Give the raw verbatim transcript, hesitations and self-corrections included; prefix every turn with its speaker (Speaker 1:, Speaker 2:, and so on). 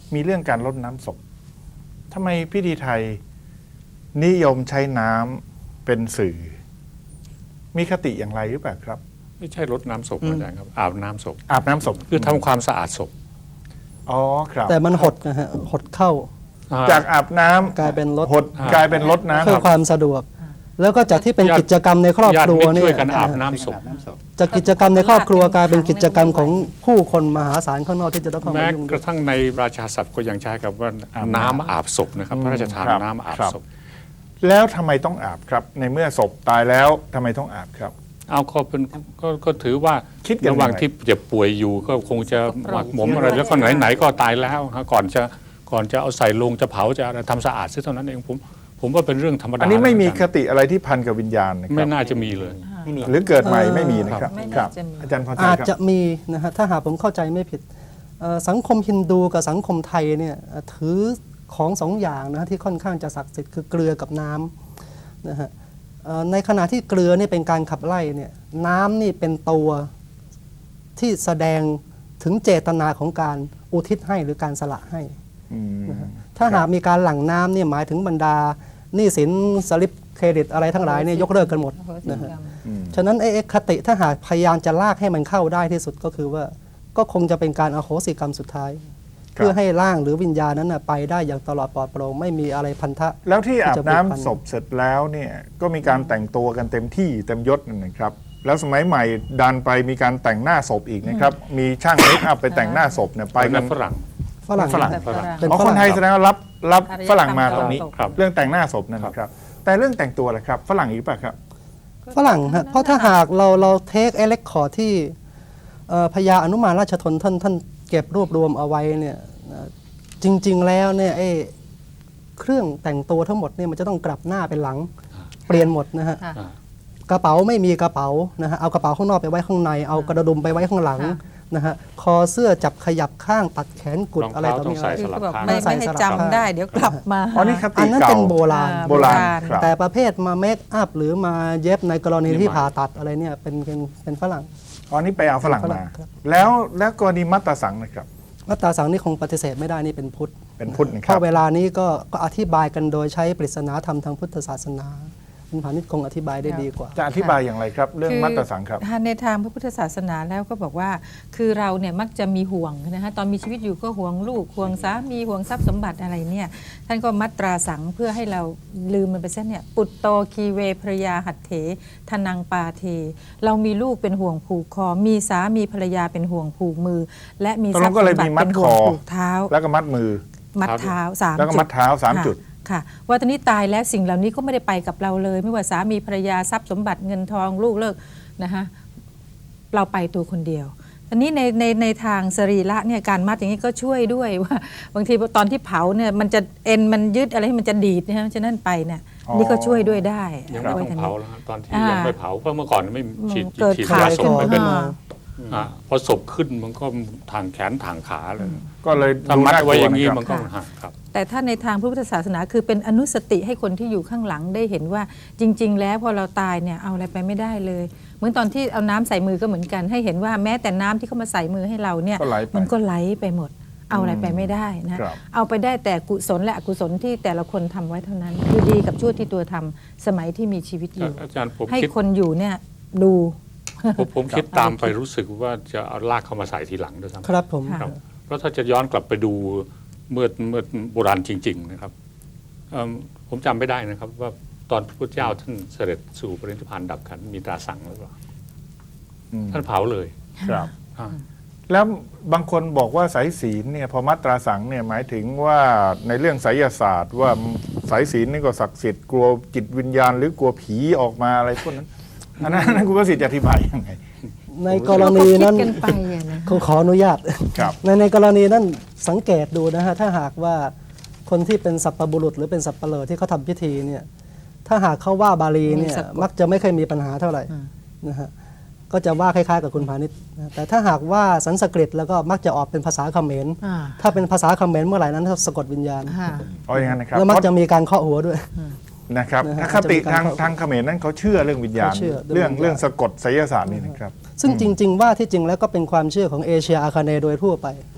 Speaker 1: มีเรื่องการรดน้ำศพทำไมพิธีไทยนิยมใช้น้ำเป็นสื่อ มีคติอย่างไรหรือเปล่าครับ
Speaker 2: ไม่ใช่รดน้ำศพอาจารย์ครับอาบน้ำศพ
Speaker 1: อาบน้ำศพ
Speaker 2: คือทำความสะอาดศพ
Speaker 1: อ๋อครับ
Speaker 3: แต่มันหดนะฮะหดเข้า
Speaker 1: จากอาบน้ำ
Speaker 3: กลายเป็นรด
Speaker 1: หดกลายเป็นรดน้ำ
Speaker 3: เพื่อความสะดวกแล้วก็จากที่เป็นกิจกรรมในครอบครัวเนี่ย
Speaker 2: ช่วยกันอาบน้ำศพ
Speaker 3: จากกิจกรรมในครอบครัวกลายเป็นกิจกรรมของผู้คนมหาศาลข้างนอกที่จะต้องเข้ามา
Speaker 2: แม้
Speaker 3: ยุ่ง
Speaker 2: กระทั่งในราชาศัพท์ก็ยังใช้กับว่าน้ำอาบศพนะครับพระราชทานน้ำอาบศพ
Speaker 1: แล้วทำไมต้องอาบครับในเมื่อศพตายแล้วทำไมต้องอาบครับ
Speaker 2: เอาก็เป็นก็ก็ถือว่า
Speaker 1: คิด
Speaker 2: ระหว่างที่เจ็บป่วยอยู่ก็คงจะหมักหมมอะไรแล้วก็ไหนๆก็ตายแล้วก่อนจะก่อนจะเอาใส่ลงจะเผาจะทำสะอาดซะเท่านั้นเองผมผมว่าเป็นเรื่องธรรมดา
Speaker 1: อันนี้ไม่มีคติอะไรที่พันกับวิญญาณนะครับ
Speaker 2: ไม่น่าจะมีเลย
Speaker 1: หรือเกิดใหม่ไม่มีนะครับครับอาจารย์พรชัยครับ
Speaker 3: อาจจะมีนะฮะถ้าหากผมเข้าใจไม่ผิดสังคมฮินดูกับสังคมไทยเนี่ยถือของสองอย่างนะที่ค่อนข้างจะศักดิ์สิทธิ์คือเกลือกับน้ำนะฮะในขณะที่เกลือนี่เป็นการขับไล่เนี่ยน้ำนี่เป็นตัวที่แสดงถึงเจตนาของการอุทิศให้หรือการสละให้ถ้าหากมีการหลั่งน้ำเนี่ยหมายถึงบรรดาหนี้สินสลิปเครดิตอะไรทั้งหลายเนี่ยยกเลิกกันหมดนะฮะฉะนั้นไอ้คติถ้าหากพยายามจะลากให้มันเข้าได้ที่สุดก็คือว่าก็คงจะเป็นการอโหสิกรรมสุดท้ายเพื่อให้ร่างหรือวิญญาณนั้นไปได้อย่างตลอดปลอดโปร่งไม่มีอะไรพันธะ
Speaker 1: แล้วที่อาบน้ำศพเสร็จแล้วเนี่ยก็มีการแต่งตัวกันเต็มที่เต็มยศนะครับแล้วสมัยใหม่ดันไปมีการแต่งหน้าศพอีกนะครับมีช่างเมคอัพไปแต่งหน้าศพเนี่ยไปกัน
Speaker 2: ฝรั่ง
Speaker 3: ฝรั่ง
Speaker 1: ฝรั่งอ๋อคนไทยแสดงว่ารับรับฝรั่งมาตรงนี้เรื่องแต่งหน้าศพนั่นนะครับแต่เรื่องแต่งตัวล่ะครับฝรั่งอีกป่ะครับ
Speaker 3: ฝรั่งฮะเพราะถ้าหากเราเราเทคเอเล็กคอร์ที่พญาอนุมานราชทนท่านท่านเก็บรวบรวมเอาไว้เนี่ยจริงๆแล้วเนี่ยไอ้เครื่องแต่งตัวทั้งหมดเนี่ยมันจะต้องกลับหน้าเป็นหลังเปลี่ยนหมดนะฮะกระเป๋าไม่มีกระเป๋านะฮะเอากระเป๋าข้างนอกไปไว้ข้างในเอากระดุมไปไว้ข้างหลังนะฮะคอเสื้อจับขยับข้างตัดแขนกุดอะไรต่อมีอะไร
Speaker 4: ไม่ไม่ให้จำได้เดี๋ยวกลับมา
Speaker 1: อันนี้คติ
Speaker 3: อันนั้นเป็นโบราณ
Speaker 1: โบราณ
Speaker 3: แต่ประเภทมาเมคอัพหรือมาเย็บในกรณีที่ผ่าตัดอะไรเนี่ยเป็นเป็นเป็นฝรั่ง
Speaker 1: อันนี้ไปเอาฝรั่งมาแล้วแล้วกรณีมัตตสังนะครับ
Speaker 3: มัตตสังนี่คงปฏิเสธไม่ได้นี่เป็นพุทธ
Speaker 1: เป็นพุทธนะครับ
Speaker 3: เพราะเวลานี้ก็ก็อธิบายกันโดยใช้ปริศนาธรรมทางพุทธศาสนาคุณพานิชคงอธิบายได้ดีกว่า
Speaker 1: จะอธิบายอย่างไรครับเรื่องมัตตสังครับ
Speaker 4: ในทางพระพุทธศาสนาแล้วก็บอกว่าคือเราเนี่ยมักจะมีห่วงนะฮะตอนมีชีวิตอยู่ก็ห่วงลูกห่วงสามีห่วงทรัพย์สมบัติอะไรเนี่ยท่านก็มัตตราสังเพื่อให้เราลืมมันไปซะเนี่ยปุตโตคีเวภรยาหัตเถทนังปาเทเรามีลูกเป็นห่วงผูกคอมีสามีภรรยาเป็นห่วงผูกมือและมีทรัพย์สมบัติเป็นห่วงผูกเท้า
Speaker 1: แล้วก็มัดมือ
Speaker 4: มัดเท้าสามจุด
Speaker 1: แล้วก็มัดเท้าสามจุด
Speaker 4: ค่ะว่าตอนนี้ตายแล้วสิ่งเหล่านี้ก็ไม่ได้ไปกับเราเลยไม่ว่าสามีภรรยาทรัพย์สมบัติเงินทองลูกเลิกนะคะเราไปตัวคนเดียวตอนนี้ในในในทางสรีระเนี่ยการมัดอย่างนี้ก็ช่วยด้วยว่าบางทีตอนที่เผาเนี่ยมันจะเอ็นมันยึดอะไรให้มันจะดีดนะฮะฉะนั้นไปเนี่ยนี่ก็ช่วยด้วยได้
Speaker 2: ยังไม่ต้องเผาแล้วตอนที่ยังไม่เผาเพราะเมื่อก่อนไม่ฉีดฉีด
Speaker 4: ยา
Speaker 2: ศพไปเป็นพอศพขึ้นมันก็ทางแขนทางขาเลย
Speaker 1: ก็เลย
Speaker 2: ทำมัดไว้อย่างนี้มันก็ครับ
Speaker 4: แต่ถ้าในทางพระพุทธศาสนาคือเป็นอนุสติให้คนที่อยู่ข้างหลังได้เห็นว่าจริงๆแล้วพอเราตายเนี่ยเอาอะไรไปไม่ได้เลยเหมือนตอนที่เอาน้ำใส่มือก็เหมือนกันให้เห็นว่าแม้แต่น้ำที่เขามาใส่มือให้เราเนี่ยมันก็ไหลไปหมดเอาอะไรไปไม่ได้นะเอาไปได้แต่กุศลและอกุศลที่แต่ละคนทำไว้เท่านั้นคือดีกับชั่วที่ตัวทำสมัยที่มีชีวิตอยู่ให้คนอยู่เนี่ยดู
Speaker 2: ผมคิดตามไปรู้สึกว่าจะเอาลากเข้ามาใส่ทีหลังด้วยซ้ำ
Speaker 3: ครับผม
Speaker 2: เพราะถ้าจะย้อนกลับไปดูเมื่อเมื่อโบราณจริงๆนะครับผมจำไม่ได้นะครับว่าตอนพระพุทธเจ้าท่านเสด็จสู่ปรินิพพานดับขันธ์มีตราสั่งหรือเปล่าท่านเผาเลย
Speaker 1: ครับแล้วบางคนบอกว่าสายศีลเนี่ยพอมัตตราสังเนี่ยหมายถึงว่าในเรื่องไสยศาสตร์ว่าสายศีลนี่ก็ศักดิ์สิทธิ์กลัวจิตวิญญาณหรือกลัวผีออกมาอะไรพวกนั้นอันนั้นคุณประสิทธิ์จะอธิบายยังไง
Speaker 3: ในกรณีนั้นขออนุญาตในในกรณีนั้นสังเกตดูนะฮะถ้าหากว่าคนที่เป็นสัพพบุรุษหรือเป็นสัพเปลอที่เขาทำพิธีเนี่ยถ้าหากเขาว่าบาลีเนี่ยมักจะไม่เคยมีปัญหาเท่าไหร่นะฮะก็จะว่าคล้ายๆกับคุณพาณิชย์แต่ถ้าหากว่าสันสกฤตแล้วก็มักจะออกเป็นภาษาเขมรถ้าเป็นภาษาเขมรเมื่อไหร่นั้นสะกดวิญญาณ
Speaker 1: อ๋ออย่างนั้นนะครับ
Speaker 3: แล้วมักจะมีการเคาะหัวด้วย
Speaker 1: นะครับถ้าคติทางทางเขมรนั้นเขาเชื่อเรื่องวิญญาณเรื่องเรื่องสะกดไสยศาสตร์นี่นะครับ
Speaker 3: ซึ่งจริงๆว่าที่จริงแล้วก็เป็นความเชื่อของเอเชียอาคาเนย์โดยทั่วไป